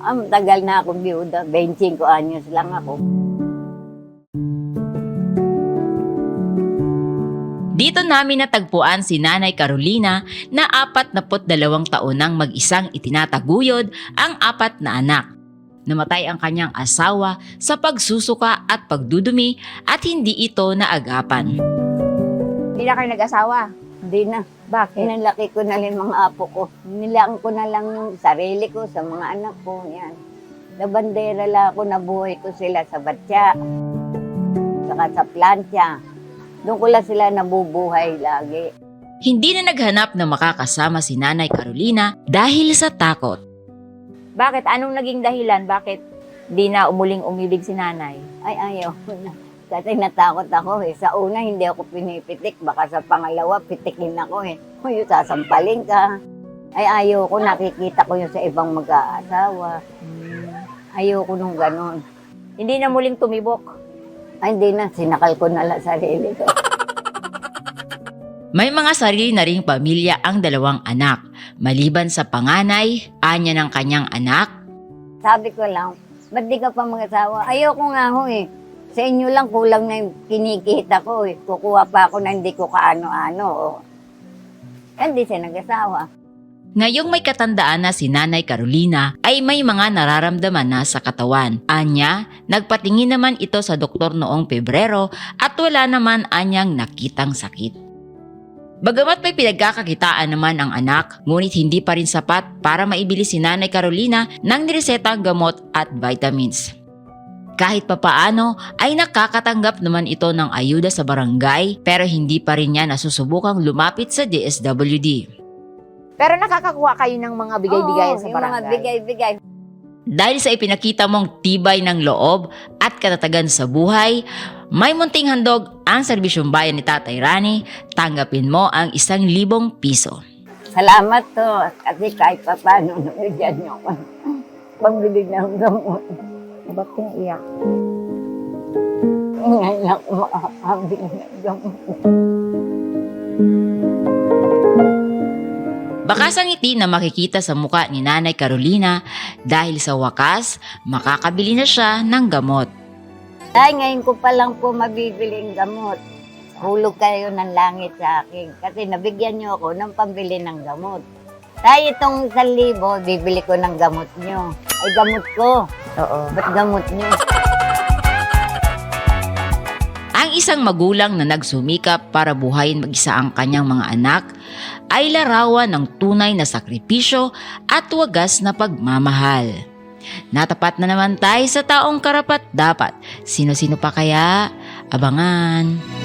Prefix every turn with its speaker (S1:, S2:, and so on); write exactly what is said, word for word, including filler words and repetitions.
S1: Ang tagal na akong biyuda, twenty-five anyos lang ako.
S2: Dito namin natagpuan si Nanay Carolina na apat na put dalawang taon nang mag-isang itinataguyod ang apat na anak. Namatay ang kanyang asawa sa pagsusuka at pagdudumi at hindi ito naagapan.
S3: Hindi na kayo nag-asawa?
S1: Hindi na.
S3: Bakit?
S1: Pinalaki ko na rin mga apo ko. Nilaan ko na lang yung sarili ko sa mga anak ko. Yan. Labandera lang ako, nabuhay ko sila sa batya. Saka sa plancha. Doon ko lang sila nabubuhay lagi.
S2: Hindi na naghanap na makakasama si Nanay Carolina dahil sa takot.
S3: Bakit? Anong naging dahilan? Bakit di na umuling-umilig si nanay?
S1: Ay, ayaw ko na. Kasi natakot ako eh. Sa una, hindi ako pinipitik. Baka sa pangalawa, pitikin ako eh. Uy, sasampalin ka. Ay, ayaw ko. Nakikita ko yun sa ibang mag-aasawa. Ayaw ko nung ganon.
S3: Hindi na muling tumibok.
S1: Ay, hindi na. Sinakal ko na lang sarili ko.
S2: May mga sarili na ring pamilya ang dalawang anak. Maliban sa panganay, anya ng kanyang anak.
S1: Sabi ko lang, ba't di ka pa mag-asawa? Ayaw ko nga ho eh. Sa inyo lang kulang na yung kinikita ko eh. Kukuha pa ako na hindi ko kaano-ano. Oh. Hindi siya nag-asawa.
S2: Ngayong may katandaan na si Nanay Carolina ay may mga nararamdaman na sa katawan. Anya, nagpatingin naman ito sa doktor noong Pebrero at wala naman anyang nakitang sakit. Bagamat may pinagkakakitaan naman ang anak, ngunit hindi pa rin sapat para maibili si Nanay Carolina ng niresetang gamot at vitamins. Kahit papaano ay nakakatanggap naman ito ng ayuda sa barangay pero hindi pa rin niya nasusubukang lumapit sa D S W D.
S3: Pero nakakakuha kayo ng mga bigay-bigayan
S1: Oo,
S3: sa
S1: yung mga
S3: barangay?
S1: bigay-bigay.
S2: Dahil sa ipinakita mong tibay ng loob at katatagan sa buhay, may munting handog ang serbisyong bayan ni Tatay Rani, tanggapin mo ang isang libong piso.
S1: Salamat to. Kasi kahit pa paano, nabigyan niyo ako. Pambili ng gamot.
S3: Ba't pinaiyak?
S1: Ngayon ako makakabili ng gamot.
S2: Bakas ang ngiti na makikita sa muka ni Nanay Carolina dahil sa wakas, makakabili na siya ng gamot.
S1: Ay, ngayon ko pa lang po mabibili ang gamot. Hulog kayo ng langit sa akin. Kasi nabigyan niyo ako ng pambili ng gamot. Tay, itong isang libo, bibili ko ng gamot niyo. Ay, gamot ko.
S3: Oo.
S1: Ba't gamot niyo?
S2: Ang isang magulang na nagsumikap para buhayin mag-isa ang kanyang mga anak ay larawan ng tunay na sakripisyo at wagas na pagmamahal. Natapat na naman tayo sa taong karapat dapat. Sino-sino pa kaya? Abangan!